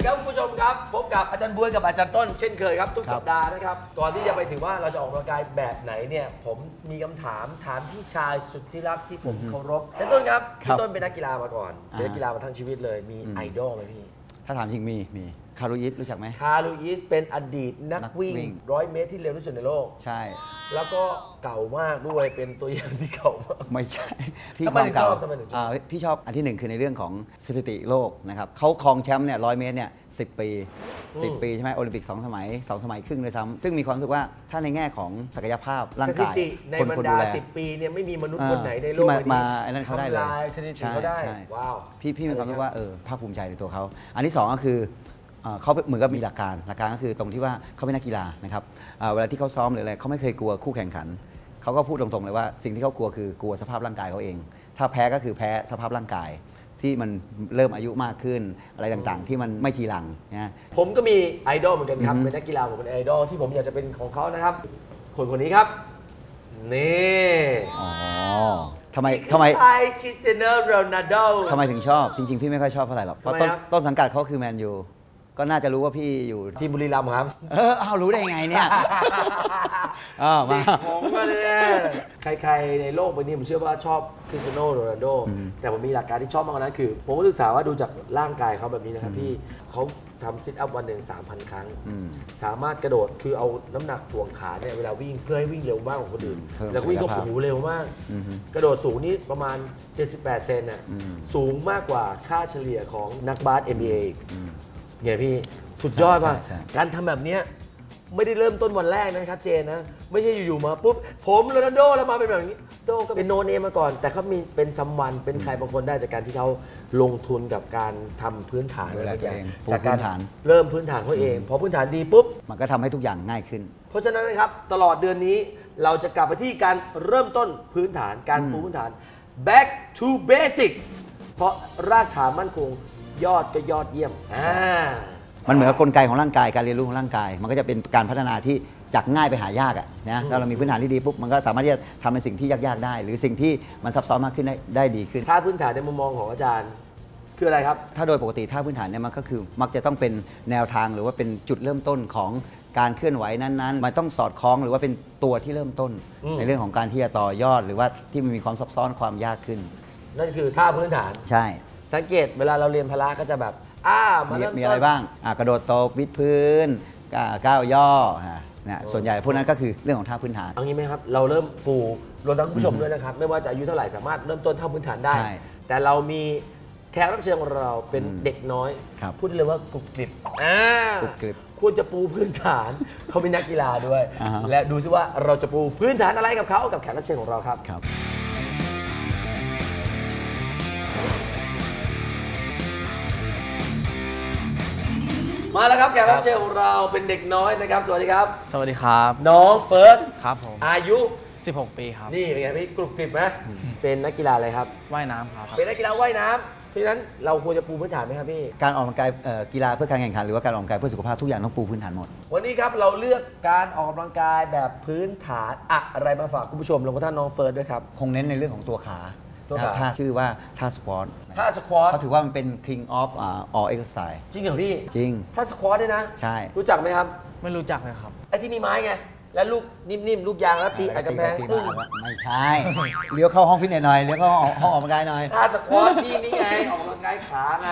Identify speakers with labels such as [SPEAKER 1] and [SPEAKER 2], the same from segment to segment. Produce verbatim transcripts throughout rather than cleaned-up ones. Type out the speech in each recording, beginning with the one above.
[SPEAKER 1] ดีครับคุณผู้ชมครับพบกับอาจารย์บวยกับอาจารย์ต้นเช่นเคยครับทุกสัปดาห์นะครับก่อนที่จะไปถึงว่าเราจะออกกำลังกายแบบไหนเนี่ยผมมีคำถามถามพี่ชายสุดที่รักที่ผมเคารพอาจารย์ต้นครับพี่ต้นเป็นนักกีฬามาก่อนเป็นนักกีฬามาทั้งชีวิตเลยมีไอดอลไหมพี่
[SPEAKER 2] ถ้าถามจริงมีมีคารุยิสรู้จักไหม
[SPEAKER 1] คารุยิสเป็นอดีตนักวิ่งร้อยเมตรที่เร็วที่สุดในโลก
[SPEAKER 2] ใช่
[SPEAKER 1] แล้วก็เก่ามากด้วยเป็นตัวอย่างที่เก่ามาก
[SPEAKER 2] ไม่ใช่
[SPEAKER 1] ที่ความเก่า
[SPEAKER 2] พี่ชอบอันที่หนึ่งคือในเรื่องของสถิติโลกนะครับเขาครองแชมป์เนี่ยร้อยเมตรเนี่ยสิบปีสิบปีใช่ไหมโอลิมปิกสองสมัยสองสมัยครึ่งเลยซ้ำซึ่งมีความรู้สึกว่าถ้าในแง่ของศักยภาพร่างกาย
[SPEAKER 1] ในบรรดาสิบปีเนี่ยไม่มีมนุษย์คนไหนในโลก
[SPEAKER 2] ที่มาอันนั้นเขาได้เลย
[SPEAKER 1] สถิติเขาได้ว้าว
[SPEAKER 2] พี่พี่มีความรู้สึกว่าเออภาคภูมิใจในตัวเขาอันที่สองก็คือเขาเหมือนกับมีหลักการหลักการก็คือตรงที่ว่าเขาเป็นนักกีฬานะครับเวลาที่เขาซ้อมหรืออะไรเขาไม่เคยกลัวคู่แข่งขันเขาก็พูดตรงๆเลยว่าสิ่งที่เขากลัวคือกลัวสภาพร่างกายเขาเองถ้าแพ้ก็คือแพ้สภาพร่างกายที่มันเริ่มอายุมากขึ้นอะไรต่างๆที่มันไม่ชีรังนะ
[SPEAKER 1] ผมก็มีไอดอลเหมือนกันครับเป็นนักกีฬาผมเป็นไอดอลที่ผมอยากจะเป็นของเขานะครับคนคนนี้ครับนี่
[SPEAKER 2] อ๋อทำไมทำไม
[SPEAKER 1] ไอคริสเตียโนโรนัลโด
[SPEAKER 2] ทำไมถึงชอบจริงๆพี่ไม่ค่อยชอบเท่าไหร่หรอกเพราะต้นสังกัดเขาคือแมนยูก็น่าจะรู้ว่าพี่อยู่
[SPEAKER 1] ที่บุรีรัมย์ครับ
[SPEAKER 2] เออเอารู้ได้ไงเนี่ย
[SPEAKER 1] อ๋อมาของมาเลยใครๆในโลกใบนี้ผมเชื่อว่าชอบคริสเตียโนโรนัลโดแต่ผมมีหลักการที่ชอบมากกว่านั้นคือผมก็ศึกษาว่าดูจากร่างกายเขาแบบนี้นะครับพี่เขาทำซิทอัพวันหนึ่ง สามพัน ครั้งสามารถกระโดดคือเอาน้ำหนักถ่วงขาเนี่ยเวลาวิ่งเพื่อให้วิ่งเร็วมากกว่าคนอื่นแล้ววิ่งก็โอ้โหเร็วมากกระโดดสูงนี่ประมาณเจ็ดสิบแปดเซนน่ะสูงมากกว่าค่าเฉลี่ยของนักบาส เอ็น บี เอ เนี่ยพี่สุดยอดมากการทำแบบนี้ไม่ได้เริ่มต้นวันแรกนะครับเจนนะไม่ใช่อยู่ๆมาปุ๊บผมโรนัลโดแล้วมาเป็นแบบนี้โดก็เป็นโนเนมมาก่อนแต่เขามีเป็นซัมวันเป็นใครบางคนได้จากการที่เขาลงทุนกับการทำพื้นฐานอะไรอย่างจากการเริ่มพื้นฐานเขาเองพอพื้นฐานดีปุ๊บ
[SPEAKER 2] มันก็ทำให้ทุกอย่างง่ายขึ้น
[SPEAKER 1] เพราะฉะนั้นนะครับตลอดเดือนนี้เราจะกลับไปที่การเริ่มต้นพื้นฐานการปูพื้นฐาน back to basic เพราะรากฐานมั่นคงยอดก็ยอดเยี่ยมอ่า
[SPEAKER 2] มันเหมือนกับกลไกของร่างกายการเรียนรู้ของร่างกายมันก็จะเป็นการพัฒนาที่จากง่ายไปหายากอ่ะนะถ้าเรามีพื้นฐานที่ดีปุ๊บมันก็สามารถที่จะทำในสิ่งที่ยากๆได้หรือสิ่งที่มันซับซ้อนมากขึ้นได้ได้ดีขึ้น
[SPEAKER 1] ท่าพื้นฐานในมุมมองของอาจารย์คืออะไรครับ
[SPEAKER 2] ถ้าโดยปกติท่าพื้นฐานเนี่ยมันก็คือมักจะต้องเป็นแนวทางหรือว่าเป็นจุดเริ่มต้นของการเคลื่อนไหวนั้นๆมันต้องสอดคล้องหรือว่าเป็นตัวที่เริ่มต้นในเรื่องของการที่จะต่อยอดหรือว่าที่มันมีความซับซ้อนความยากขึ้น
[SPEAKER 1] นั่นคือท่าพื้นฐาน
[SPEAKER 2] ใช่
[SPEAKER 1] สังเกตเวลาเราเรียนพละก็จะแบบอ่ามาเริ่มต้น
[SPEAKER 2] มีอะไรบ้างอ่ากระโดดตบวิดพื้นก้าวย่อนะส่วนใหญ่พวกนั้นก็คือเรื่องของท่าพื้นฐาน
[SPEAKER 1] เอางี้ไหมครับเราเริ่มปูรวมทั้งผู้ชมด้วยนะครับไม่ว่าจะอายุเท่าไหร่สามารถเริ่มต้นท่าพื้นฐานได้แต่เรามีแขกรับเชิญของเราเป็นเด็กน้อยพูดเลยว่ากรุบกริบอ่าก
[SPEAKER 2] รุบกริบ
[SPEAKER 1] ควรจะปูพื้นฐานเขาเป็นนักกีฬาด้วยและดูซิว่าเราจะปูพื้นฐานอะไรกับเขากับแขกรับเชิญของเราครับมาแล้วครับแขกรับเชิญของเราเป็นเด็กน้อยนะครับสวัสดีครับ
[SPEAKER 3] สวัสดีครับ
[SPEAKER 1] น้องเฟิร์ส
[SPEAKER 3] ครับผม
[SPEAKER 1] อายุ
[SPEAKER 3] สิบหกปีครับ
[SPEAKER 1] นี่เป็นไงพี่กรุบกริบไหมเป็นนักกีฬาอะไรครับ
[SPEAKER 3] ว่ายน้ำครับ
[SPEAKER 1] เป็นนักกีฬาว่ายน้ำเพราะฉะนั้นเราควรจะปูพื้นฐานไหมครับพี่
[SPEAKER 2] การออกกำลังกายกีฬาเพื่อการแข่งขันหรือว่าการออกกำลังกายเพื่อสุขภาพทุกอย่างต้องปูพื้นฐานหมด
[SPEAKER 1] วันนี้ครับเราเลือกการออกกำลังกายแบบพื้นฐานอะไรมาฝากคุณผู้ชมรวมทั้งน้องเฟิร์สด้วยครับ
[SPEAKER 2] คงเน้นในเรื่องของตัวขาท่าชื่อว่าท่าสควอต
[SPEAKER 1] ท่าสควอต
[SPEAKER 2] เขาถือว่ามันเป็น king of all exercise
[SPEAKER 1] จริงเหรอพี่
[SPEAKER 2] จริง
[SPEAKER 1] ท่าสควอตด้วยนะ
[SPEAKER 2] ใช่
[SPEAKER 1] รู้จักไหมครับ
[SPEAKER 3] ไม่รู้จักเลยครับ
[SPEAKER 1] ไอ้ที่มีไม้ไงแล้วลูกนิ่มๆลูกยางแล้วตีไอ้กระแพงตึ้ง
[SPEAKER 2] ไม่ใช่เลี้ยวเข้าห้องฟิตเนสหน่อยเลี้ยวเข้าห้องออกกำลังกายหน่อย
[SPEAKER 1] ท่าสควอตที่นี่ไงออกกำลังกายขาไง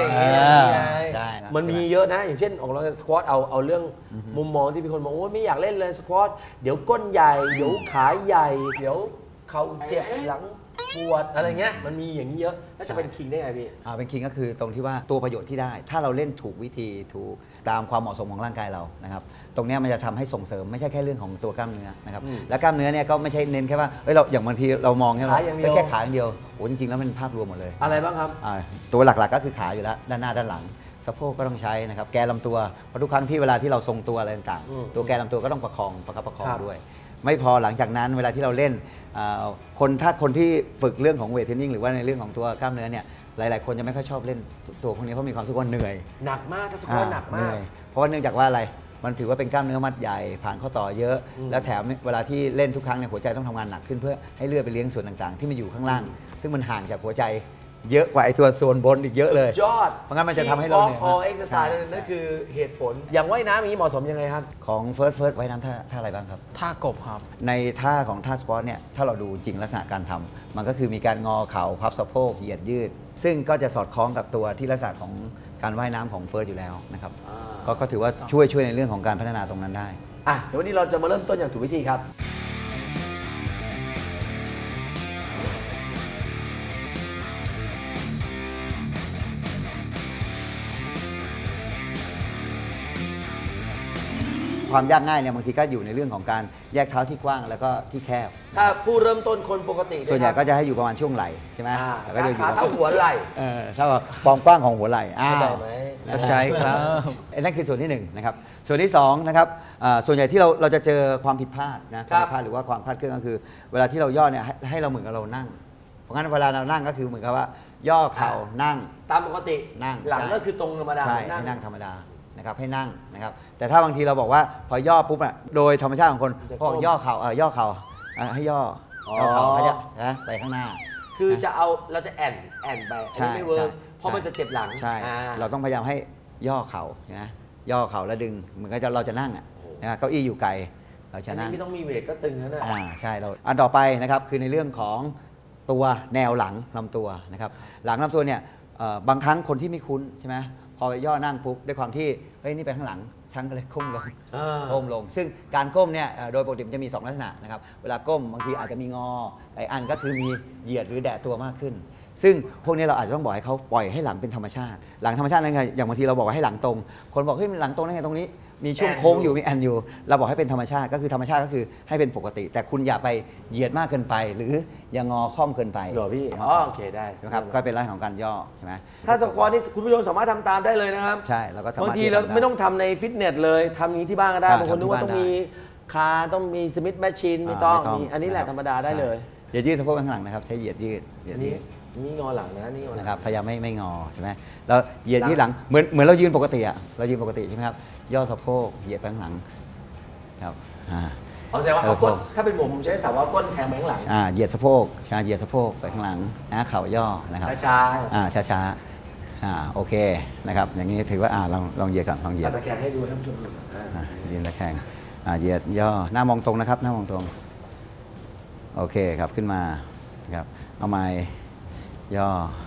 [SPEAKER 1] มันมีเยอะนะอย่างเช่นออกกำลังกายสควอตเอาเอาเรื่องมุมมองที่มีคนบอกว่าไม่อยากเล่นเลยสควอตเดี๋ยวก้นใหญ่เดี๋ยวขาใหญ่เดี๋ยวเข่าเจ็บหลังปวดอะไรเงี้ยมันมีอย่างนี้เยอะแล้วจะเป็นคิงได้ไงพี่
[SPEAKER 2] อ่าเป็นคิงก็คือตรงที่ว่าตัวประโยชน์ที่ได้ถ้าเราเล่นถูกวิธีถูกตามความเหมาะสมของร่างกายเรานะครับตรงนี้มันจะทำให้ส่งเสริมไม่ใช่แค่เรื่องของตัวกล้ามเนื้อนะครับและกล้ามเนื้อเนี่ยก็ไม่ใช่เน้นแค่ว่าเฮ้ยเราอย่างบางทีเรามองแค่ว่าแค่ขาอย่างเดียวโอ้จริงๆแล้วมันภาพรวมหมดเลย
[SPEAKER 1] อะไรบ้างครับ
[SPEAKER 2] อ่าตัวหลักๆก็คือขาอยู่แล้วด้านหน้าด้านหลังสะโพกก็ต้องใช้นะครับแกนลำตัวเพราะทุกครั้งที่เวลาที่เราทรงตัวอะไรต่างๆตัวแกนลำตัวก็ต้องประคองประคับประคองด้วยไม่พอหลังจากนั้นเวลาที่เราเล่นคนถ้าคนที่ฝึกเรื่องของเวทเทรนนิ่งหรือว่าในเรื่องของตัวกล้ามเนื้อเนี่ยหลายๆคนจะไม่ค่อยชอบเล่นตัวพวกนี้เพราะมีความรู้สึกว่าเหนื่อย
[SPEAKER 1] หนักมากถ้าสควอตหนักมาก
[SPEAKER 2] เพราะว่าเนื่องจากว่าอะไรมันถือว่าเป็นกล้ามเนื้อมัดใหญ่ผ่านข้อต่อเยอะแล้วแถมเวลาที่เล่นทุกครั้งเนี่ยหัวใจต้องทำงานหนักขึ้นเพื่อให้เลือดไปเลี้ยงส่วนต่างๆที่มันอยู่ข้างล่างซึ่งมันห่างจากหัวใจเยอะกว่าไอ้ตัวส่วนบนอีกเยอะเลย
[SPEAKER 1] ยอด
[SPEAKER 2] เพราะงั้นมันจะทำให้เราเหนื่อย
[SPEAKER 1] ออเอ็กซ์ไซส์นั่นคือเหตุผลอย่างว่ายน้ำอย่างนี้เหมาะสมยังไงครับ
[SPEAKER 2] ของเฟิร์สเฟิร์สไว้น้ำท่าท่าอะไรบ้างครับ
[SPEAKER 3] ท่ากบครับ
[SPEAKER 2] ในท่าของท่าสควอตเนี่ยถ้าเราดูจริงลักษณะการทำมันก็คือมีการงอเข่าพับสะโพกเหยียดยืด ซึ่งก็จะสอดคล้องกับตัวที่ลักษณะของการว่ายน้ำของเฟิร์สอยู่แล้วนะครับ
[SPEAKER 1] อ่า
[SPEAKER 2] ก็ก็ถือว่าช่วยช่วยในเรื่องของการพัฒนาตรงนั้นได้
[SPEAKER 1] อ่ะเดี๋ยววันนี้เราจะมาเริ่มต้นอย่างถูกวิธีครับ
[SPEAKER 2] ความยากง่ายเนี่ยบางทีก็อยู่ในเรื่องของการแยกเท้าที่กว้างแล้วก็ที่แคบ
[SPEAKER 1] ถ้าผู้เริ่มต้นคนปกติ
[SPEAKER 2] ส่วนใหญ่
[SPEAKER 1] เย
[SPEAKER 2] ก็จะให้อยู่ประมาณช่วงไหล่ใช่ไหม
[SPEAKER 1] อ่า
[SPEAKER 2] แล้วก็จะอยู่
[SPEAKER 1] ขาเท่าหัวไหล่
[SPEAKER 2] เออเท่ากับความกว้างของหัวไหล่อ้าว
[SPEAKER 1] เข้าใจไหม
[SPEAKER 3] เข้าใจครับ
[SPEAKER 2] ไอ้นั่นคือส่วนที่หนึ่งนะครับส่วนที่สองนะครับอ่าส่วนใหญ่ที่เราเราจะเจอความผิดพลาดนะความผิดพลาดหรือว่าความคลาดเคลื่อนก็คือ เวลาที่เราย่อเนี่ยให้ให้เราเหมือนกับเรานั่ง เพราะงั้นเวลาเรานั่งก็คือเหมือนกับว่า ย่อเข่านั่ง
[SPEAKER 1] ตามปกติ
[SPEAKER 2] นั่ง
[SPEAKER 1] หลัง
[SPEAKER 2] ใช่
[SPEAKER 1] ก็คือตรงธรรมดา
[SPEAKER 2] ใช่
[SPEAKER 1] นั่ง
[SPEAKER 2] ให้นั่งธรรมดานะครับให้นั่งนะครับแต่ถ้าบางทีเราบอกว่าพอย่อปุ๊บอ่ะโดยธรรมชาติของคน
[SPEAKER 1] จะ
[SPEAKER 2] พอ
[SPEAKER 1] ก้ม
[SPEAKER 2] ย่อเข่าเออย่อเข่าอ่ะให้ย่ออย่อเข่าเขาจะนะไปข้างหน้า
[SPEAKER 1] คือจะเอาเราจะแอนแอนไปอัน
[SPEAKER 2] ใช่
[SPEAKER 1] นี้ไม่เวิร์ก
[SPEAKER 2] ใช่
[SPEAKER 1] เพราะมันจะเจ็บหลัง
[SPEAKER 2] ใช่
[SPEAKER 1] อ่า
[SPEAKER 2] เราต้องพยายามให้ย่อเข่านะย่อเข่าแล้วดึงเหมือนกับจะเราจะนั่งอ่ะนะเก้าอี้อยู่ไกลเราจะ
[SPEAKER 1] อัน
[SPEAKER 2] นั่
[SPEAKER 1] นี้
[SPEAKER 2] ง
[SPEAKER 1] ไม่ต้องมีเวทก็ตึงแล้วนะ
[SPEAKER 2] อ่าใช่เราอันต่อไปนะครับคือในเรื่องของตัวแนวหลังลำตัวนะครับหลังลำตัวเนี่ยเอ่อบางครั้งคนที่ไม่คุ้นใช่ไหมพอไปย่อนั่งปุ๊บด้วยความที่เฮ้ยนี่ไปข้างหลังช่างก็เลยก้มลง
[SPEAKER 1] อ่า
[SPEAKER 2] ก้มลง ซึ่งการก้มเนี่ยเอ่อโดยปกติมันจะมีสองลักษณะนะครับเวลาก้มบางทีอาจจะมีงอไอ้อันก็คือมีเหยียดหรือแดะตัวมากขึ้น ซึ่งพวกนี้เราอาจจะต้องบอกให้เขาปล่อยให้หลังเป็นธรรมชาติ หลังธรรมชาตินั่นไงอย่างบางทีเราบอกว่าให้หลังตรง คนบอกเฮ้ยหลังตรงได้ไงตรงนี้ มีช่วงโค้งอยู่มีแอนอยู่ เราบอกให้เป็นธรรมชาติก็คือธรรมชาติก็คือให้เป็นปกติ แต่คุณอย่าไปเหยียดมากเกินไป หรืออย่างงอค่อมเกินไป
[SPEAKER 1] เหรอพี่อ๋อโอเคได้
[SPEAKER 2] ใช่ไหมครับก็เป็นลักษณะของการย่อใช่ไหม
[SPEAKER 1] ถ้าสควอตนี่คุณผู้ชมสามารถทำตามได้เลยนะครับ
[SPEAKER 2] ใช่เราก็สามารถ
[SPEAKER 1] บางที
[SPEAKER 2] ที่จะ
[SPEAKER 1] เรา
[SPEAKER 2] ทำได้
[SPEAKER 1] ไม่ต้องทำในฟิตเนสเลยทำอย่างนี้ที่บ้านก็ได้
[SPEAKER 2] อ่า
[SPEAKER 1] บางคนนึกว่า
[SPEAKER 2] ทำที่
[SPEAKER 1] ต้อง
[SPEAKER 2] บ้าน
[SPEAKER 1] มี
[SPEAKER 2] ได้
[SPEAKER 1] คาต้องมีสมิธแมชชีนไม่ต้องมีอันนี้แหละธรรมดาได้เลย
[SPEAKER 2] เหยียดยืดสะโพกข้างหลังนะครับใช้เหยียดยืดเหยีย
[SPEAKER 1] อั
[SPEAKER 2] ด
[SPEAKER 1] น
[SPEAKER 2] ยื
[SPEAKER 1] นี้
[SPEAKER 2] ด
[SPEAKER 1] นี่งอหลังนะนี่งอหลัง
[SPEAKER 2] นะครับพยายามไม่ไม่งอใช่ไหมแล้วเหยียดยืดหลังเหมือนเหมือนเรายืนปกติอะเรายืนปกติใช่ไหมครับย่อสะโพกเหยียดไปข้างหลังครับอ่า
[SPEAKER 1] เอาแสดงว่าเอาก้นถ้าเป็นผมผมใช้สาวว่าก้นแทงไปข้างหลัง
[SPEAKER 2] อ่าเหยียดสะโพกชาเหยียดสะโพกไปข้างหลังนะเข่าย่อนะครับ
[SPEAKER 1] ช้า
[SPEAKER 2] อ่าช้าๆอ่าโอเคนะครับอย่างนี้ถือว่าอ่าลองลองเหยียดก่อนลองเห
[SPEAKER 1] ๆ
[SPEAKER 2] ยีย
[SPEAKER 1] เอา
[SPEAKER 2] ด
[SPEAKER 1] ตะแคงให้ดูให้ผู้ชมดูอ่า
[SPEAKER 2] อ่ายืนตะแคงอ่าเหยียดย่อหน้ามองตรงนะครับหน้ามองตรงโอเคครับขึ้นมาครับเอาไม้ย่อ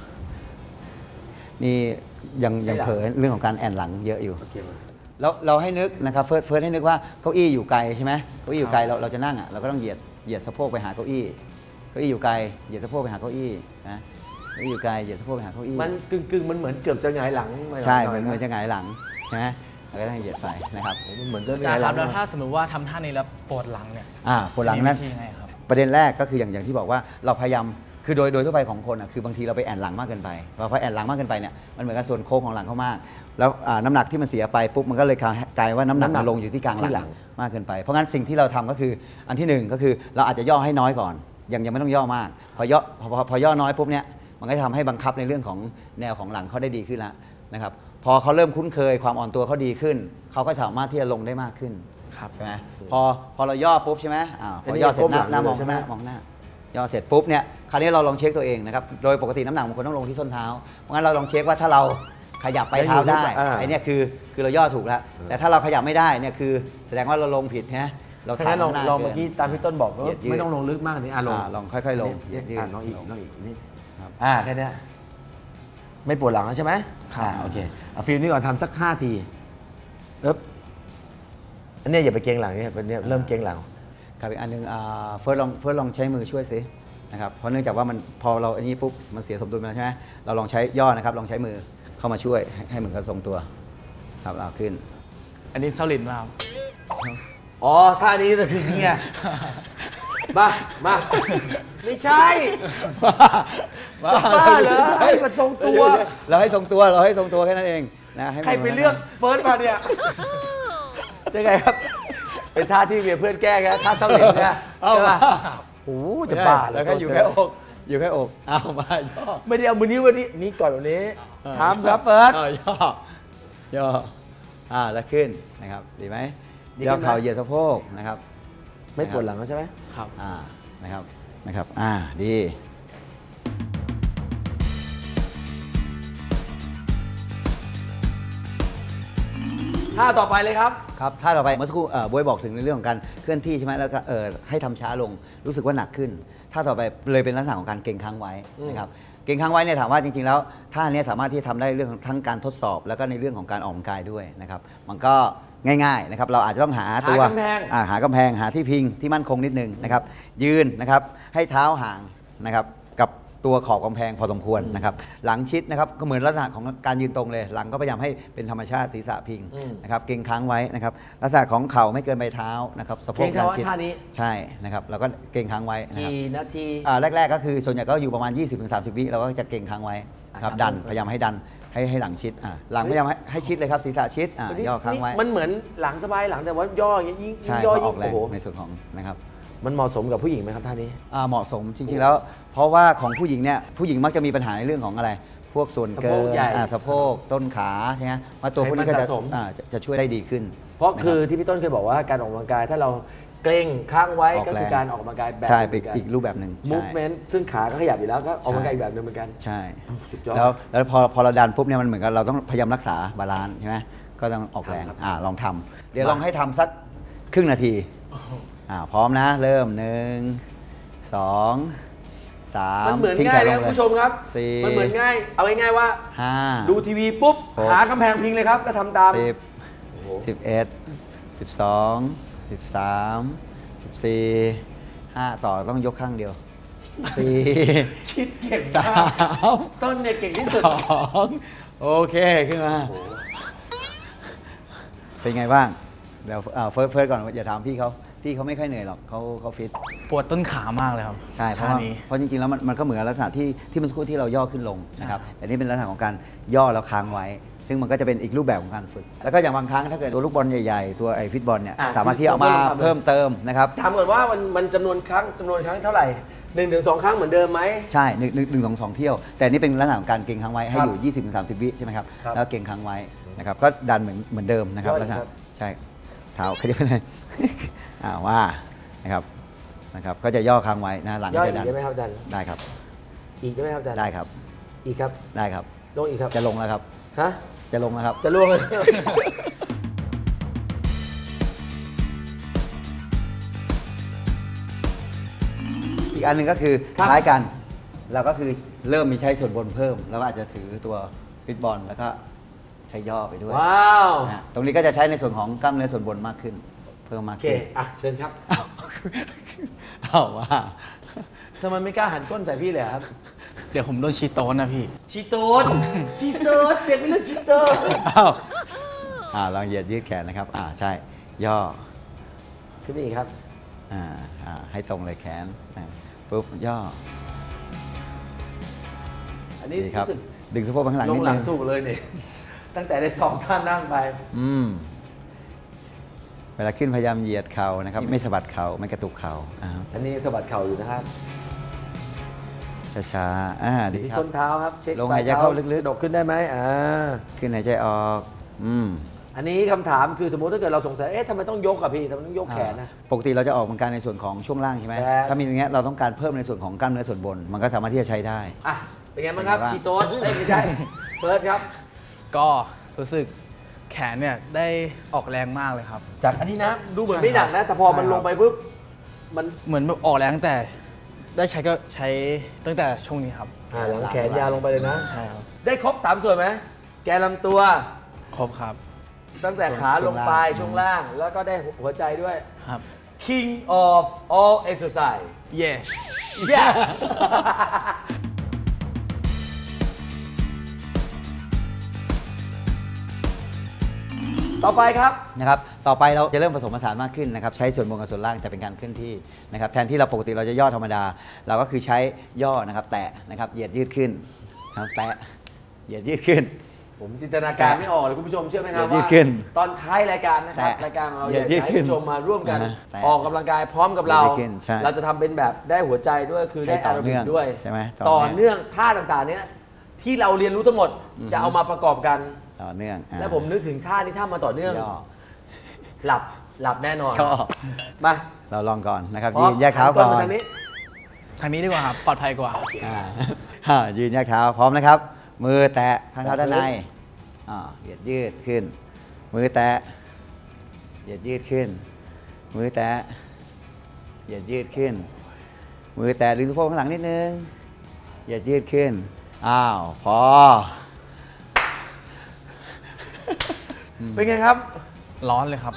[SPEAKER 2] นี่ยังยังเผลอเรื่องของการแอนหลังเยอะอยู่
[SPEAKER 1] โอเคมา
[SPEAKER 2] แล้วเราให้นึกนะครับเฟิร์สเฟิร์สให้นึกว่าเก้าอี้อยู่ไกลใช่ไหมเก้าอี้อยู่ไกลเราเราจะนั่งอ่ะเราก็ต้องเหยียดเหยียดสะโพกไปหาเก้าอี้เก้าอี้อยู่ไกลเหยียดสะโพกไปหาเก้าอี้นะเก้าอี้อยู่ไกลเหยียดสะโพกไปหาเก้าอี้
[SPEAKER 1] มันกึ่งกึ่งๆมันเหมือนเกือบจะหงายหลังไป
[SPEAKER 2] ใช่
[SPEAKER 1] ห
[SPEAKER 2] เหมื
[SPEAKER 1] น่
[SPEAKER 2] อย น
[SPEAKER 1] ๆ
[SPEAKER 2] เหมือนจะหงายหลังใช่ไหมเราก็ต้องเหยียดไปนะครับ
[SPEAKER 1] มันเหมือนจะห
[SPEAKER 3] จาง
[SPEAKER 1] าย
[SPEAKER 3] ค
[SPEAKER 1] หลั
[SPEAKER 3] รั
[SPEAKER 1] ง
[SPEAKER 3] บแล้วถ้าสมมติว่าทำท่านี้แล้วปวดหลังเนี่ย
[SPEAKER 2] อ่าปวดหลังนั้น
[SPEAKER 3] มีวิธียังไงครับ
[SPEAKER 2] ประเด็นแรกก็คืออย่างอย่างที่บอกว่าเราพยายามคือโดยโดยทั่วไปของคนอ่ะคือบางทีเราไปแอนหลังมากเกินไปพอพอแอนหลังมากเกินไปเนี่ยมันเหมือนกับส่วนโค้งของหลังเขามาก แล้วอ่าน้ำหนักที่มันเสียไปปุ๊บมันก็เลยกลายว่าน้ำหนักมันลงอยู่ที่กลางหลังมากเกินไปเพราะงั้นสิ่งที่เราทำก็คืออันที่หนึ่งก็คือเราอาจจะย่อให้น้อยก่อนยังยังไม่ต้องย่อมาก พอย่อพอพอพอย่อน้อยปุ๊บเนี่ยมันก็จะทำให้บังคับในเรื่องของแนวของหลังเขาได้ดีขึ้นแล้วนะครับพอเขาเริ่มคุ้นเคยความอ่อนตัวเขาดีขึ้นเขาก็สามารถที่จะลงได้มากขึ้น
[SPEAKER 3] ครับ
[SPEAKER 2] ใช่ไหมพอพอเราย่อปุ๊บใช่ไหมอ่าพอย่อเสร็จหน้าหน้ามองข้างหน้ามองหน้า ย่อเสร็จปุ๊บเนี่ยคราวนี้เราลองเช็คตัวเองนะครับโดยปกติน้ำหนักมันควรต้องลงที่ส้นเท้าเพราะงั้นเราลองเช็คว่าถ้าเราขยับไปเท้าได้
[SPEAKER 1] อ่า
[SPEAKER 2] ไอ้เนี่ยคือคือเราย่อถูกแล้วแต่ถ้าเราขยับไม่ได้เนี่ยคือแสดงว่าเราลงผิดนะเรา
[SPEAKER 1] ถ้างั้นลอง
[SPEAKER 2] ข้างหน้า
[SPEAKER 1] ลองเมื่อ
[SPEAKER 2] กิน
[SPEAKER 1] กี้ตามพี่ต้นบอกว่า
[SPEAKER 2] เหยียดยืด
[SPEAKER 1] ไม่ต้องลงลึกมากกว่านี้อ่ะลง
[SPEAKER 2] อ่าลองค่อยๆลง
[SPEAKER 1] เหยียดยืด
[SPEAKER 2] ยืด
[SPEAKER 1] อ่ะลองอีกลองอีกนิด
[SPEAKER 2] ครับ
[SPEAKER 1] อ่าแค่เนี้ยไม่ปวดหลังแล้วใช่ไหม
[SPEAKER 3] ครับ
[SPEAKER 1] อ่าโอเคเอาฟิลนี้ก่อนทำสักห้าทีเอ๊บอันเนี้ยอย่าไปเกรงหลังเนี่ยเป็นเนี่ยเริ่มเกรงหลัง
[SPEAKER 2] ครับอีกอันหนึงอ่าเฟิร์สลองเฟิร์สลองใช้มือช่วยสินะครับเพราะเนื่องจากว่ามันพอเราอันนี้ปุ๊บมันเสียสมดุลไปแล้วใช่ไหมเราลองใช้ย่อนะครับลองใช้มือเข้ามาช่วยให้ให้เหมือนกับทรงตัวครับเอาขึ้น
[SPEAKER 3] อันนี้เซาลินมาครับ
[SPEAKER 1] อ๋อท่านี้จะถึงนี่ไงมามาไม่ใช่
[SPEAKER 2] บ้า
[SPEAKER 1] จะบ้าเหรอให้มันทรงตัว
[SPEAKER 2] เราให้ทรงตัวเราให้ทรงตัวแค่นั้นเองนะให้มัน
[SPEAKER 1] ใครไปเลือกเฟิร์สมาเนี่ยจะไงครับ เป็นท่าที่เมียเพื่อนแก้ไงท่าเศร้าหลินเนี่ยใช่ป่ะโอ้โหจะบ้าเหร
[SPEAKER 2] แล้วก็อยู่แค่อกอยู่แค่อกเอามาย่อ
[SPEAKER 1] ไม่ได้เอามือนิ้ววันนี้นี่ก่อนวันนี้ทำครับเฟิร์ส
[SPEAKER 2] อาย่อย่ออ่าแล้วขึ้นนะครับดีไหม
[SPEAKER 1] ดีขึ้นไหม
[SPEAKER 2] ย่อเข่าเหยียดสะโพกนะครับ
[SPEAKER 1] ไม่ปวดหลังแล้วใช่ไหม
[SPEAKER 3] ครับ
[SPEAKER 2] อ่านะครับนะครับอ่าดี
[SPEAKER 1] ท่าต่อไปเลยครับ
[SPEAKER 2] ครับท่าต่อไปเมื่อสักครู่เอ่อบวยบอกถึงในเรื่องของการเคลื่อนที่ใช่ไหมแล้วก็เอ่อให้ทำช้าลงรู้สึกว่าหนักขึ้นท่าต่อไปเลยเป็นลักษณะของการเก่งค้างไว้นะครับเก่งค้างไว้เนี่ยถามว่าจริงๆแล้วท่านี้สามารถที่จะทำได้เรื่องของทั้งการทดสอบ แล้วก็ในเรื่องของการออกกำลังกายด้วยนะครับมันก็ง่ายๆนะครับเราอาจจะต้องหาตัว
[SPEAKER 1] หากำแพง
[SPEAKER 2] อ่าหากำแพงหาที่พิงที่มั่นคงนิดนึงนะครับยืนนะครับให้เท้าห่างนะครับกับตัวขอบกำแพงพอสมควรนะครับหลังชิดนะครับก็เหมือนลักษณะของการยืนตรงเลยหลังก็พยายามให้เป็นธรรมชาติศีรษะพิงนะครับเก่งค้างไว้นะครับลักษณะของเข่าไม่เกินใบเท้านะครับสะโพก
[SPEAKER 1] เก่งค้างไว้
[SPEAKER 2] ด้านชิด
[SPEAKER 1] ท่านี้
[SPEAKER 2] ใช่นะครับเราก็เก่งค้างไว้นะครับ
[SPEAKER 1] กี่นาที
[SPEAKER 2] อ่าแรกๆก็คือส่วนใหญ่ก็อยู่ประมาณ ยี่สิบถึงสามสิบ วิเราก็จะเก่งค้างไว้นะครับ
[SPEAKER 1] อ่า
[SPEAKER 2] ดัน
[SPEAKER 1] ครับ
[SPEAKER 2] พยายามให้ดันให้ให้หลังชิดอ่าหลังพยายามให้ให้ชิดเลยครับศีรษะชิดอ่าย่อค้างไว้
[SPEAKER 1] มันเหมือนหลังสบายหลังแต่ว่าย่ออย่างเงี้ยยิ่งยิ่
[SPEAKER 2] ใช่
[SPEAKER 1] งย่อ
[SPEAKER 2] เพราะอ
[SPEAKER 1] ยิ่
[SPEAKER 2] อง กแร
[SPEAKER 1] โอ้
[SPEAKER 2] ง
[SPEAKER 1] โห
[SPEAKER 2] ในส่วนของนะครับ
[SPEAKER 1] มันเหมาะสมกับผู้หญิงไหมครับท่านี้
[SPEAKER 2] อ่าเหมาะสมจริงๆแล้ว เพราะว่าของผู้หญิงเนี่ยผู้หญิงมักจะมีปัญหาในเรื่องของอะไร พวกส่วนเกิ
[SPEAKER 1] สะโพก
[SPEAKER 2] น
[SPEAKER 1] ใหญ่
[SPEAKER 2] อ่าสะโพกต้นขาใช่ไหมมาตัวพวกนี้ก็
[SPEAKER 1] ไขมัน
[SPEAKER 2] จะ
[SPEAKER 1] สะสม
[SPEAKER 2] อ่าจะจะช่วยได้ดีขึ้น
[SPEAKER 1] เพราะ
[SPEAKER 2] นบ
[SPEAKER 1] คือที่พี่ต้นเคยบอกว่าการออกกำลังกายถ้าเราเกรงค้างไว้
[SPEAKER 2] ออก
[SPEAKER 1] ก็
[SPEAKER 2] แรง
[SPEAKER 1] คือการออกกำลังกายแบบ
[SPEAKER 2] ใช่
[SPEAKER 1] ห
[SPEAKER 2] เป็น
[SPEAKER 1] นึ่ง
[SPEAKER 2] อีกรูปแบบหนึ่งใช่
[SPEAKER 1] movement ซึ่งขาก็ขยับอยู่แล้วก็ออกกำลังกายอีกแบบหนึงเหมือนกัน
[SPEAKER 2] ใช่
[SPEAKER 1] สุดยอด
[SPEAKER 2] แล้วแล้วพอพอเราดันปุ๊บเนี่ยมันเหมือนกับเราต้องพยายามรักษาบาลานซ์ใช่ไหมก็ต้องออกแรง
[SPEAKER 1] ครับ
[SPEAKER 2] อ่าลองทำเดี๋ยวลองให้ทำสักครึ่งนาทีอ่าพร้อมนะเริ่มหนึ่งสองสาม
[SPEAKER 1] มันเหมือน
[SPEAKER 2] ทิ้
[SPEAKER 1] ง่าย
[SPEAKER 2] แข
[SPEAKER 1] เลย
[SPEAKER 2] ล
[SPEAKER 1] ครับคุณผู้ชมครับ
[SPEAKER 2] สี่
[SPEAKER 1] มันเหมือนง่าย เอาง่ายๆว่า
[SPEAKER 2] ห้า
[SPEAKER 1] ดูทีวีปุ๊บ
[SPEAKER 2] หก
[SPEAKER 1] หากำแพงพิงเลยครับ แล้วทำตาม
[SPEAKER 2] สิบสิบเอ็ดสิบสองสิบสามสิบสี่ห้าต่อต้องยกข้างเดียวสี่
[SPEAKER 1] คิดเก่ง
[SPEAKER 2] สาม
[SPEAKER 1] าก
[SPEAKER 2] ม
[SPEAKER 1] ต้นเนี่ยเก่งที่สุด
[SPEAKER 2] สองโอเคขึ้นมาเป็นไงบ้างเดี๋ยวอ่าเฟิร์สเฟิร์สก่อนอย่าถามพี่เขาพี่เขาไม่ค่อยเหนื่อยหรอกเขาเขาฟิต
[SPEAKER 3] ปวดต้นขามากเลยครับ
[SPEAKER 2] ใช่เพราะ
[SPEAKER 3] ท่า
[SPEAKER 2] ว่า
[SPEAKER 3] นี้
[SPEAKER 2] เพราะจริงๆแล้วมันมันก็เหมือนลักษณะที่ที่มันสักครู่ที่เราย่อขึ้นลงนะครับแต่นี่เป็นลักษณะของการย่อแล้วค้างไว้ ซึ่งมันก็จะเป็นอีกรูปแบบของการฝึก แล้วก็อย่างบางครั้งถ้าเกิดตัวลูกบอลใหญ่ๆตัวไอ้ฟิตบอลเนี่ย
[SPEAKER 1] อ่ะ
[SPEAKER 2] สามารถที่เอามา
[SPEAKER 1] ผมก็ลองทำ
[SPEAKER 2] เพิ่มเติมนะครับ
[SPEAKER 1] ถามก่อนว่ามันมันจำนวนครั้งจำนวนครั้งเท่าไหร่หนึ่งถึงสองครั้งเหมือนเดิมไหม
[SPEAKER 2] ใช่หนึ่งหนึ่งหนึ่งสองสองเที่ยว แต่นี่เป็นลักษณะของการเก่งค้างไว้ให้
[SPEAKER 1] ครับ
[SPEAKER 2] อยู่ ยี่สิบถึงสามสิบ วิใช่ไหมครับ
[SPEAKER 1] ครับ
[SPEAKER 2] แล้วเก่งค้างไว้นะครับก็ดันเหมือนเหมือนเดิมนะครับ
[SPEAKER 1] ย่ออี
[SPEAKER 2] ลัก
[SPEAKER 1] ก
[SPEAKER 2] ษณะ
[SPEAKER 1] ครับ
[SPEAKER 2] ใช่เท้าขยับไปเลย อ่าว่านะครับนะครับก็จะย่อค้างไว้นะหลัง
[SPEAKER 1] ย่อ
[SPEAKER 2] ก็
[SPEAKER 1] อี
[SPEAKER 2] จะ
[SPEAKER 1] ก
[SPEAKER 2] ดัน
[SPEAKER 1] ได้ไหมครับอาจารย์
[SPEAKER 2] ได้ครับ
[SPEAKER 1] อีกได้ไหมครับอาจารย์
[SPEAKER 2] ได้ครับ
[SPEAKER 1] อีกครับ
[SPEAKER 2] ได้ครับ
[SPEAKER 1] ลงอีกครับ
[SPEAKER 2] จะลงแล้วครับ
[SPEAKER 1] ฮะ
[SPEAKER 2] จะลงแล้วครับ
[SPEAKER 1] จะล่วงเลย
[SPEAKER 2] อีกอันหนึ่งก็คือ
[SPEAKER 1] ครับ
[SPEAKER 2] คล้ายกัน เราก็คือเริ่มมีใช้ส่วนบนเพิ่ม แล้วก็อาจจะถือตัวฟิตบอลแล้วก็ใช้ย่อไปด้วย
[SPEAKER 1] ว้าว
[SPEAKER 2] นะฮะตรงนี้ก็จะใช้ในส่วนของกล้ามเนื้อส่วนบนมากขึ้น เพิ่มมาก
[SPEAKER 1] โอเค
[SPEAKER 2] ขึ้น
[SPEAKER 1] อ่ะเชิญครับ
[SPEAKER 2] เอาว่า
[SPEAKER 1] ทำไมไม่กล้าหันก้นใส่พี่เลยครับ
[SPEAKER 3] เดี๋ยวผมโดนชีโต้นะพี่
[SPEAKER 1] ชีโต้นชีโต้นเด็กไม่รู้ชีโต้
[SPEAKER 2] เอาอ่าลองเหยียดยืดแขนนะครับ อ่าใช่ ย่อ
[SPEAKER 1] ขึ้นไปอีกครับ
[SPEAKER 2] อ่าอ่าให้ตรงเลยแขนอ่าปุ๊บย่อ
[SPEAKER 1] อันนี้
[SPEAKER 2] ดีครับ
[SPEAKER 1] รู้สึก
[SPEAKER 2] ดึงสะโพกไปข้างหลัง
[SPEAKER 1] ล
[SPEAKER 2] นิ
[SPEAKER 1] ง
[SPEAKER 2] ด
[SPEAKER 1] หลั
[SPEAKER 2] นึ
[SPEAKER 1] ง
[SPEAKER 2] ง
[SPEAKER 1] ถูกเลยเนี่ย ตั้งแต่ได้สองท่านนั่งไป
[SPEAKER 2] อืมเวลาขึ้นพยายามเหยียดเข่านะครับ ไม่สะบัดเข่าไม่กระตุกเข่าอ่า
[SPEAKER 1] อันนี้สะบัดเข่าอยู่นะครับ
[SPEAKER 2] ช้าๆอ่าดี
[SPEAKER 1] ที่
[SPEAKER 2] ครั
[SPEAKER 1] ส้
[SPEAKER 2] บ
[SPEAKER 1] นเท้าครับ เช็ค
[SPEAKER 2] ลงหายใจเข้าลึกๆ
[SPEAKER 1] กระดกขึ้นได้ไหมอ่า
[SPEAKER 2] ขึ้นหายใจออก อืม
[SPEAKER 1] อันนี้คำถามคือสมมติถ้าเกิดเราสงสัย เอ๊ะทำไมต้องยกอะพี่ทำไมต้องยกแขนนะ
[SPEAKER 2] ปกติเราจะออกกำลังกายในส่วนของช่วงล่างใช่ไหม
[SPEAKER 1] แต่
[SPEAKER 2] ถ้ามีอย่างเงี้ยเราต้องการเพิ่มในส่วนของกล้ามเนื้อส่วนบน มันก็สามารถที่จะใช้ได้
[SPEAKER 1] อ่ะ เป็นไงบ้างครับ
[SPEAKER 2] เป็นไงบ้าง
[SPEAKER 1] ชีโต้นเอ้ยไม่ใช่ เฟิร์สครับ
[SPEAKER 3] ก็รู้สึกแขนเนี่ยได้ออกแรงมากเลยครับ
[SPEAKER 1] จากอันนี้นะ ดูเหมือน
[SPEAKER 3] ใช่
[SPEAKER 1] ไม่หนักนะ แต่พอมัน
[SPEAKER 3] ใช่ครับ
[SPEAKER 1] ลงไปปุ๊บ มัน
[SPEAKER 3] เหมือนแบบออกแรงตั้งแต่ได้ใช้ก็ใช้ตั้งแต่ช่วงนี้ครับ
[SPEAKER 1] อ่าหลังแขนยาวลงไปเลยนะ
[SPEAKER 3] ใช่ครับ
[SPEAKER 1] ได้ครบสามส่วนไหม แกนลำตัว
[SPEAKER 3] ครบครับ
[SPEAKER 1] ตั้งแต่ขาลงไปช่วงล่าง แล้วก็ได้หัวใจด้วย
[SPEAKER 3] ครับ
[SPEAKER 1] King of all exercise
[SPEAKER 3] yes
[SPEAKER 1] yeah ต่อไปครับ
[SPEAKER 2] นะครับ ต่อไปเราจะเริ่มผสมผสานมากขึ้นนะครับ ใช้ส่วนบนกับส่วนล่างแต่เป็นการเคลื่อนที่นะครับ แทนที่เราปกติเราจะย่อธรรมดา เราก็คือใช้ย่อนะครับ แตะนะครับ เหยียดยืดขึ้นนะครับแตะ เหยียดยืดขึ้น
[SPEAKER 1] ผมจินตนาการไม่ออกเลยคุณผู้ชมเชื่อไหมครับ
[SPEAKER 2] ยืด
[SPEAKER 1] ว่า
[SPEAKER 2] ขึ้น
[SPEAKER 1] ตอนท้ายรายการนะครับ
[SPEAKER 2] แตะ
[SPEAKER 1] รายการของเรา
[SPEAKER 2] ยื
[SPEAKER 1] อยา
[SPEAKER 2] ด
[SPEAKER 1] ก
[SPEAKER 2] ยืด
[SPEAKER 1] ให้
[SPEAKER 2] ขึ้น
[SPEAKER 1] คุณผู้ชมมาร่วมกัน
[SPEAKER 2] อ่าฮะแตะ
[SPEAKER 1] ออกกำลังกายพร้อมกับเรา
[SPEAKER 2] ยืดขึ้นใช่
[SPEAKER 1] เราจะทำเป็นแบบได้หัวใจด้วยคือได้
[SPEAKER 2] ให้ต่
[SPEAKER 1] อา
[SPEAKER 2] อ
[SPEAKER 1] ร
[SPEAKER 2] เนื่
[SPEAKER 1] บิ
[SPEAKER 2] อก ง
[SPEAKER 1] ด้วย
[SPEAKER 2] ใช่ไหมต่
[SPEAKER 1] ต่อ
[SPEAKER 2] อเนื่
[SPEAKER 1] เนื่อ
[SPEAKER 2] อง ง
[SPEAKER 1] ท่าต่างๆเนี้ยที่เราเรียนรู้ทั้งหมดจะเอามาประกอบกัน
[SPEAKER 2] ต่อเนื่องอ่า
[SPEAKER 1] และผมนึกถึงท่านี้ท่ามาต่อเนื่อง
[SPEAKER 2] ย่อ
[SPEAKER 1] หลับหลับแน่นอน
[SPEAKER 2] ย่อ
[SPEAKER 1] มา
[SPEAKER 2] เราลองก่อนนะครับ
[SPEAKER 1] พร้อ
[SPEAKER 2] ยื
[SPEAKER 1] ม
[SPEAKER 2] นแยกเท้าก่อน
[SPEAKER 1] หัมทางนี้
[SPEAKER 3] ทางนี้ดีกว่าครับ ปลอดภัยกว่า
[SPEAKER 2] อ่าอ่ายืนแยกเท้าพร้อมนะครับ มือแตะข้างเท้าด้านในอ่าเหยียดยืดขึ้นมือแตะเหยียดยืดขึ้นมือแตะเหยียดยืดขึ้นมือแตะดึงสะโพกข้างหลังนิดนึงเหยียดยืดขึ้นอ้าวพอ
[SPEAKER 1] เป็นไงครับ
[SPEAKER 3] ร้อนเลยครับ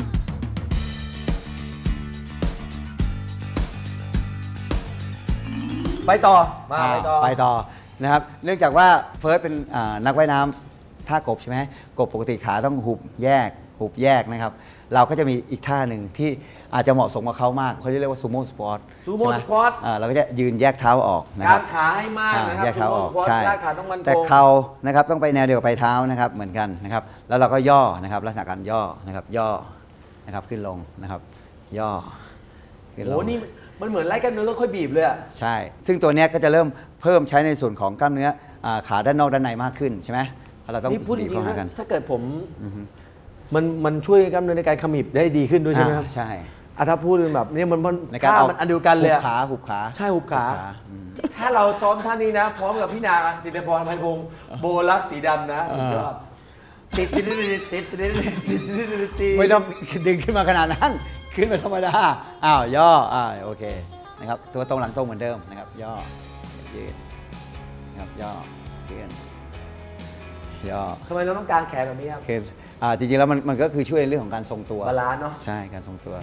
[SPEAKER 1] ไปต่อมาไปต่อ
[SPEAKER 2] ไปต่อนะครับเนื่องจากว่าเฟิร์สเป็นนักว่ายน้ำท่ากบใช่ไหมกบปกติขาต้องหุบแยกหุบแยกนะครับเราก็จะมีอีกท่าหนึ่งที่อาจจะเหมาะสมกับเขามากเขาจะเรียกว่าซูโม่สปอร์ต
[SPEAKER 1] ซูโม่สปอร์ต
[SPEAKER 2] เราก็จะยืนแยกเท้าออกนะครับ
[SPEAKER 1] การขาให้มากนะครับ
[SPEAKER 2] แยกเท้าออกใช่
[SPEAKER 1] ขาต้องมัน
[SPEAKER 2] แต่เข่านะครับต้องไปแนวเดียวกับปลายเท้านะครับเหมือนกันนะครับแล้วเราก็ย่อนะครับลักษณะการย่อนะครับย่อนะครับขึ้นลงนะครับย่อ
[SPEAKER 1] ขึ้นลงโอ้นี่มันเหมือนไล่กล้ามเนื้อค่อยบีบเลยอ่ะ
[SPEAKER 2] ใช่ซึ่งตัวนี้ก็จะเริ่มเพิ่มใช้ในส่วนของกล้ามเนื้อขาด้านนอกด้านในมากขึ้นใช่ไหมเราต้อง
[SPEAKER 1] บีบเข้าหากันถ้าเกิดผมมันมันช่วยกล้ามเนื้อในการขมิบได้ดีขึ้นด้วยใช่ไหมครับ
[SPEAKER 2] ใช่
[SPEAKER 1] ถ้าพูดแบบนี้มันมันท่ามันอันเดียวกันเลย
[SPEAKER 2] หุบขาหุบขา
[SPEAKER 1] ใช่หุบขาถ้าเราซ้อมท่านี้นะพร้อมกับพี่นาสิทธิพรไพพงศ์โบลักสีดำนะสุดยอดติดติดติดติดติด
[SPEAKER 2] ติดไม่ต้องดึงขึ้นมาขนาดนั้นขึ้นมาธรรมดาอ้าวย่ออ่าโอเคนะครับตัวตรงหลังตรงเหมือนเดิมนะครับย่อยืดนะครับย่อยืดย่อ
[SPEAKER 1] ทำไมเราต้องการแขนแบบนี้ครับ
[SPEAKER 2] คืออ่าจริงๆแล้วมันมันก็คือช่วยในเรื่องของการทรงตัว
[SPEAKER 1] บาลานซ์เนาะ
[SPEAKER 2] ใช่การทรงตัว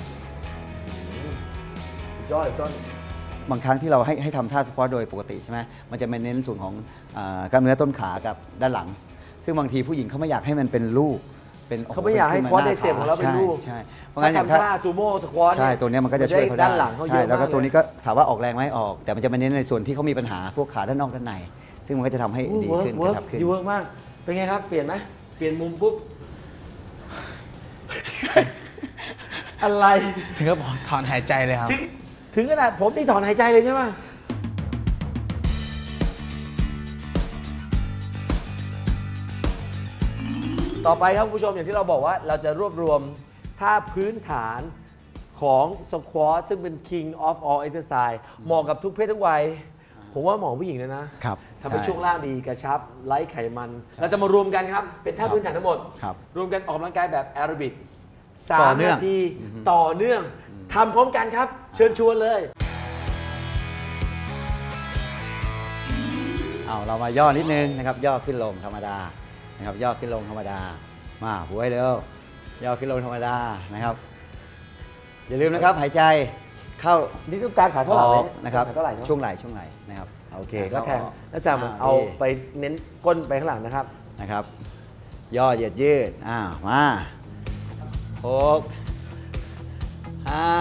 [SPEAKER 1] ย่ออีกต้น
[SPEAKER 2] บางครั้งที่เราให้ให้ทำท่าสควอตโดยปกติใช่ไหมมันจะเน้นส่วนของกล้ามเนื้อต้นขากับด้านหลังซึ่งบางทีผู้หญิงเขาไม่อยากให้มันเป็นลูก
[SPEAKER 1] เขาไม่อยากให้คอร์สไดเซปของเราเป็นลูก
[SPEAKER 2] ใช่
[SPEAKER 1] เพราะงั้นอย่างท่าซูโม่สควอต
[SPEAKER 2] ใช่ตัวนี้มันก็จะช่วยเขาได้ด้านหลังเขาเยอะมากแล้วก็ตัวนี้ก็ถามว่าออกแรงไหมออกแต่มันจะมาเน้นในส่วนที่เขามีปัญหาพวกขาด้านนอกด้านในซึ่งมันก็จะทำให้ดีขึ้นกระชับขึ้น
[SPEAKER 1] ดีเวิร์กมากเป็นไงครับเปลี่ยนไหมเปลี่ยนมุมปุ๊บอะไร
[SPEAKER 3] ถึงก็ถอนหายใจเลยครับ
[SPEAKER 1] ถึงขนาดผมนี่ถอนหายใจเลยใช่ไหมต่อไปครับคุณผู้ชมอย่างที่เราบอกว่าเราจะรวบรวมท่าพื้นฐานของสควอตซึ่งเป็น king of all exercise เหมาะกับทุกเพศทุกวัยผมว่าเหมาะผู้หญิงเลยนะทำให้ช่วงล่างดีกระชับไร้ไขมันเราจะมารวมกันครับเป็นท่าพื้นฐานทั้งหมดรวมกันออกกำลังกายแบบแอโรบิกสามนาทีต่อเนื่องทำพร้อมกันครับเชิญชวนเลย
[SPEAKER 2] เอาเรามาย่อนิดนึงนะครับย่อขึ้นลงธรรมดานะครับย่อขึ้นลงธรรมดามาหัวให้เร็วย่อขึ้นลงธรรมดานะครับอย่าลืมนะครับหายใจเข้า
[SPEAKER 1] นี่ต้องการขาเท่าไหร่
[SPEAKER 2] นะครับช่วงไหล่ช่วงไหล่นะครับ
[SPEAKER 1] โอเคก็แทงแล้วจะเอาไปเน้นก้นไปข้างหลังนะครับ
[SPEAKER 2] นะครับย่อเหยียดยืดอ้าวมาหกห้า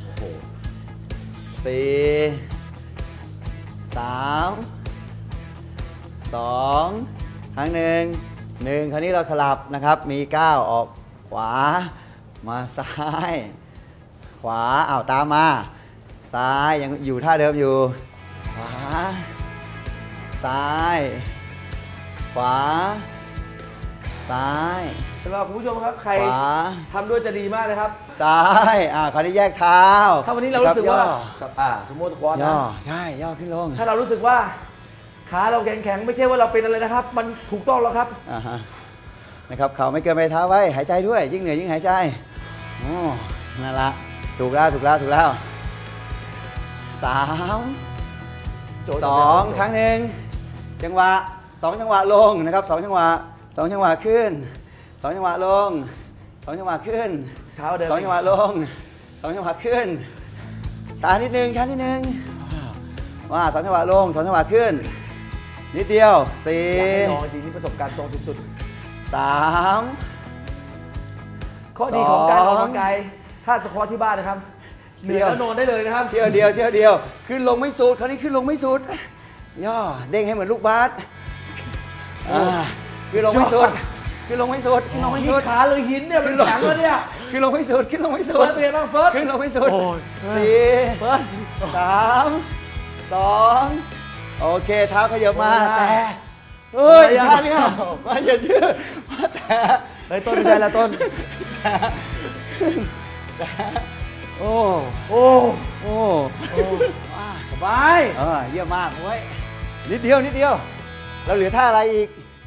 [SPEAKER 2] สี่สามสองครั้งหนึ่งหนึ่งคราวนี้เราสลับนะครับมีก้าวออกขวามาซ้ายขวาอ้าวตามมาซ้ายยังอยู่ท่าเดิมอยู่ขวาซ้ายขวาซ้าย
[SPEAKER 1] สำหรับคุณผู้ชมครับใครทำด้วยจะดีมากเลยครับ
[SPEAKER 2] ซ้ายอ่าคราวนี้แยกเท้า
[SPEAKER 1] ถ้าวันนี้เรารู้สึกว่าอ่าสมมติสควอตนะ
[SPEAKER 2] ใช่ย่อขึ้นลง
[SPEAKER 1] ถ้าเรารู้สึกว่าขาเราแข็งๆไม่ใช่ว่าเราเป็นอะไรนะครับมันถูกต้องแล้วครับ
[SPEAKER 2] อ่าฮะนะครับเข่าไม่เกินไปเท้าไว้หายใจด้วยยิ่งเหนื่อยยิ่งหายใจโอ้นั่นละถูกแล้วถูกแล้วถูกแล้วสามสองครั้งหนึ่งจังหวะสองจังหวะลงนะครับสองจังหวะสองจังหวะขึ้นสองจังหวะลงสองจังหวะขึ้น
[SPEAKER 1] เช้าเดิน
[SPEAKER 2] สองจังหวะลงสองจังหวะขึ้นช้านิดนึงช้านิดนึงว่าสองจังหวะลงสองจังหวะขึ้นนิดเดียวสี่
[SPEAKER 1] นอนจริงนี่ประสบการณ์ตรงสุด
[SPEAKER 2] ๆสาม
[SPEAKER 1] ข้อดีของการออกกำลังกายถ้าสควอตที่บ้านนะครับเหนื่อยแล้วนอนได้เลยนะครับ
[SPEAKER 2] เที่ยวเดียวเที่ยวเดียวขึ้นลงไม่สุดคราวนี้ขึ้นลงไม่สุดย่อเด้งให้เหมือนลูกบาสขึ้นลงไม่สุดขึ้นลงไม่สุดขึ้นลงไม่สุด
[SPEAKER 1] ขาเลยหินเนี่ยมันแข็งแล้วเนี่ย
[SPEAKER 2] ขึ้นลงไม่สุดขึ้นลงไม่สุด
[SPEAKER 1] เฟิร์สเป็นไงบ้างเฟิร์ส
[SPEAKER 2] ขึ้นลงไม่สุดสี่
[SPEAKER 1] เฟิร์ส
[SPEAKER 2] สามสองโอเคเท้าขยับมาแต่เฮ้ยท่านี้มาอย่ายืดมาแต่
[SPEAKER 1] เฮ้ยต้นไม่ใช่แล้วต้น
[SPEAKER 2] โอ้
[SPEAKER 1] โอ้
[SPEAKER 2] โอ้
[SPEAKER 1] สบาย
[SPEAKER 2] เออเยี่ยมมากเว้ยนิดเดียวนิดเดียวเราเหลือท่าอะไรอีก
[SPEAKER 1] เอ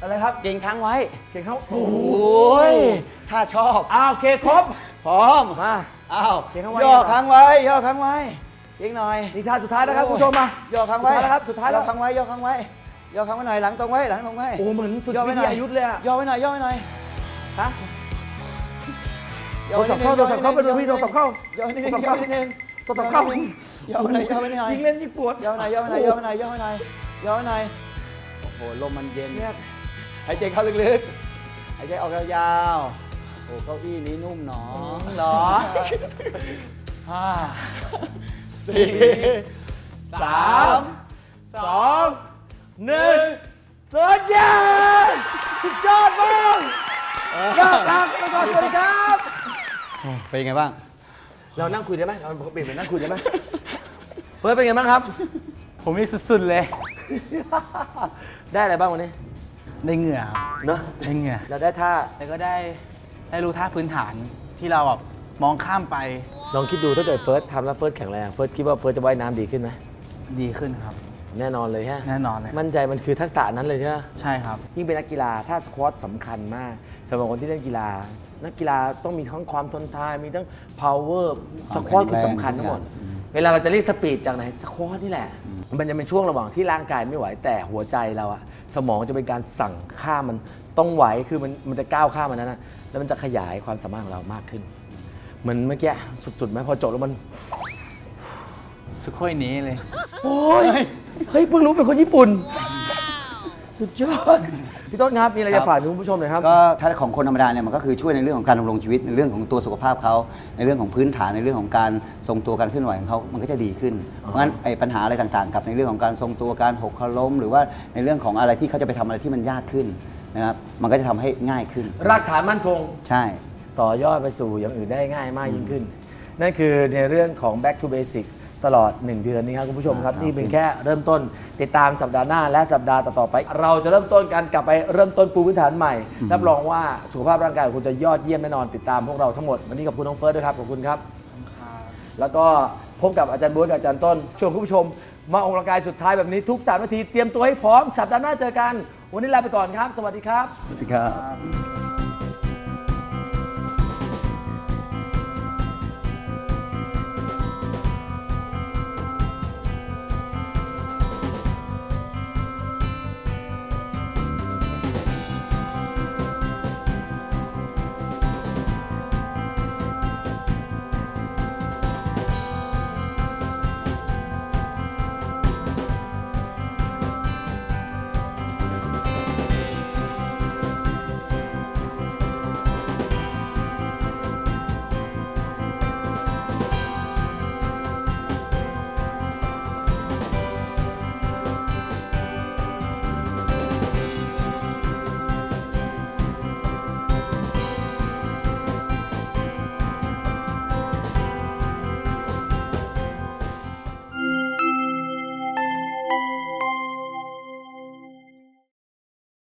[SPEAKER 1] อะไรครับ
[SPEAKER 2] เก่งค้างไว้
[SPEAKER 1] เก่งเขา
[SPEAKER 2] โอ้ยถ้าชอบ
[SPEAKER 1] อ้าวโอเคครบ
[SPEAKER 2] พร้อม
[SPEAKER 1] มา
[SPEAKER 2] อ้าว
[SPEAKER 1] เก่งค้างไว้
[SPEAKER 2] ย่อค้างไว้ย่อค้างไว้เก่งหน่อย
[SPEAKER 1] นี่ท่าสุดท้ายนะครับคุณผู้ชมมา
[SPEAKER 2] ย่อค้างไว้
[SPEAKER 1] สุดท้ายแล้วครับสุดท้ายแล้ว
[SPEAKER 2] ย่อค้างไว้ย่อค้างไว้ย่อค้างไว้หน่อยหลังตรงไว้หลังตรงไว้
[SPEAKER 1] โอ้เหมือนฝึก
[SPEAKER 2] ย่อ
[SPEAKER 1] วิ
[SPEAKER 2] ไว้ห
[SPEAKER 1] ท
[SPEAKER 2] น่อย
[SPEAKER 1] ยายุทธเลยอะ
[SPEAKER 2] ย่อไว้หน่อยย่อไว้หน่อย
[SPEAKER 1] ฮะ
[SPEAKER 2] ย่
[SPEAKER 1] โทรศัพท์เข้าโทรศัพท์เข้าไปดูพี่โทรศัพท์เข้า
[SPEAKER 2] ย่อไว้นิด
[SPEAKER 1] โท
[SPEAKER 2] นึ
[SPEAKER 1] รง ศัพท์
[SPEAKER 2] ย่อ
[SPEAKER 1] เข้า
[SPEAKER 2] ไว้นิดนึง
[SPEAKER 1] โทรศัพท์เข้า
[SPEAKER 2] ย่อไว้หน่อยย่อไว้หน่อย
[SPEAKER 1] ยิงเล่นยิ่งปวด
[SPEAKER 2] ย่อไว้หน่อยย่อไว้หน่อยย่อไว้หน่อยย่อไว้หน่อยย่อไว้หน่อยโอ้โหลมมันเย็นเนี่ยหายใจเข้าลึกๆหายใจออกยาวๆโอ้เก้าอี้นี้นุ่มหนอ
[SPEAKER 1] หรอ
[SPEAKER 2] ห้าสี่สาม
[SPEAKER 1] สองหนึ่งสุดยอดสุดยอดมากยอดลาไปก่อนสวัสดีครับ
[SPEAKER 2] เป็นยังไงบ้าง
[SPEAKER 1] เรานั่งคุยได้ไหมเราเปลี่ยนเป็นนั่งคุยได้ไหมเฟิร์สเป็นไงบ้างครับ
[SPEAKER 3] ผมนี่สุดๆเลย
[SPEAKER 1] ได้อะไรบ้างวันนี้
[SPEAKER 3] ได้เหงื่อครับ
[SPEAKER 1] เนอะ
[SPEAKER 3] ได้เหงื่อ
[SPEAKER 1] เราได้ท่า
[SPEAKER 3] แล้วก็ได้ได้รู้ท่าพื้นฐานที่เราแบบมองข้ามไป
[SPEAKER 1] ลองคิดดูถ้าเกิดเฟิร์สทำแล้วเฟิร์สแข็งแรงเฟิร์สคิดว่าเฟิร์สจะว่ายน้ำดีขึ้นไหม
[SPEAKER 3] ดีขึ้นครับ
[SPEAKER 1] แน่นอนเลยฮะ
[SPEAKER 3] แน่นอนเลย
[SPEAKER 1] มั่นใจมันคือทักษะนั้นเลยใช่ไหม
[SPEAKER 3] ใช่ครับ
[SPEAKER 1] ยิ่งเป็นนักกีฬาท่าสควอตสำคัญมากสำหรับคนที่เล่นกีฬา นักกีฬาต้องมีทั้งความทนทานมีทั้ง power สควอตคือสำคัญทั้งหมด เวลาเราจะเรียกสปีดจากไหนสควอตนี่แหละ มันจะเป็นช่วงระหว่างที่ร่างกายไม่ไหวแต่หัวใจเราอะสมองจะเป็นการสั่งข้ามมันต้องไหวคือมันมันจะก้าวข้ามมันนั้นนะแล้วมันจะขยายความสามารถของเรามากขึ้น เหมือนเมื่อกี้สุดๆไหมพอจบแล้วมัน
[SPEAKER 3] สุดค่อยนี้เลย
[SPEAKER 1] โอ้ยเฮ้ยเพิ่งรู้เป็นคนญี่ปุ่น สุดยอดพี่ต้นครับมีอะไรจะฝากถึงคุณผู้ชมหน่อยครับ
[SPEAKER 2] ก็ถ้าของคนธรรมดาเนี่ยมันก็คือช่วยในเรื่องของการดำรงชีวิตในเรื่องของตัวสุขภาพเขาในเรื่องของพื้นฐานในเรื่องของการทรงตัวการเคลื่อนไหวของเขามันก็จะดีขึ้นเพราะงั้นไอ้ปัญหาอะไรต่างๆกับในเรื่องของการทรงตัวการหกล้มหรือว่าในเรื่องของอะไรที่เขาจะไปทำอะไรที่มันยากขึ้นนะครับมันก็จะทำให้ง่ายขึ้น
[SPEAKER 1] รากฐานมั่นคง
[SPEAKER 2] ใช่
[SPEAKER 1] ต่อยอดไปสู่อย่างอื่นได้ง่ายมากยิ่งขึ้น นั่นคือในเรื่องของ back to basic ตลอด หนึ่ง เดือนนี้ครับคุณผู้ชมครับ
[SPEAKER 2] ครับ
[SPEAKER 1] นี่เป็นแค่เริ่มต้นติดตามสัปดาห์หน้าและสัปดาห์ต่อๆไป เราจะเริ่มต้นกันกลับไปเริ่มต้นปูพื้นฐานใหม่รับรองว่าสุขภาพร่างกายของคุณจะยอดเยี่ยมแน่นอนติดตามพวกเราทั้งหมดวันนี้ขอบคุณน้องเฟิร์สด้วยครับขอบคุณครับ แล้วก็พบกับอาจารย์บ๊วยกับอาจารย์ต้นชวนคุณผู้ชมมาออกกำลังกายสุดท้ายแบบนี้ทุกสามนาทีเตรียมตัวให้พร้อมสัปดาห์หน้าเจอกันวันนี้ลาไปก่อนครับ สวัสดีครับ
[SPEAKER 2] สวัสดีครับ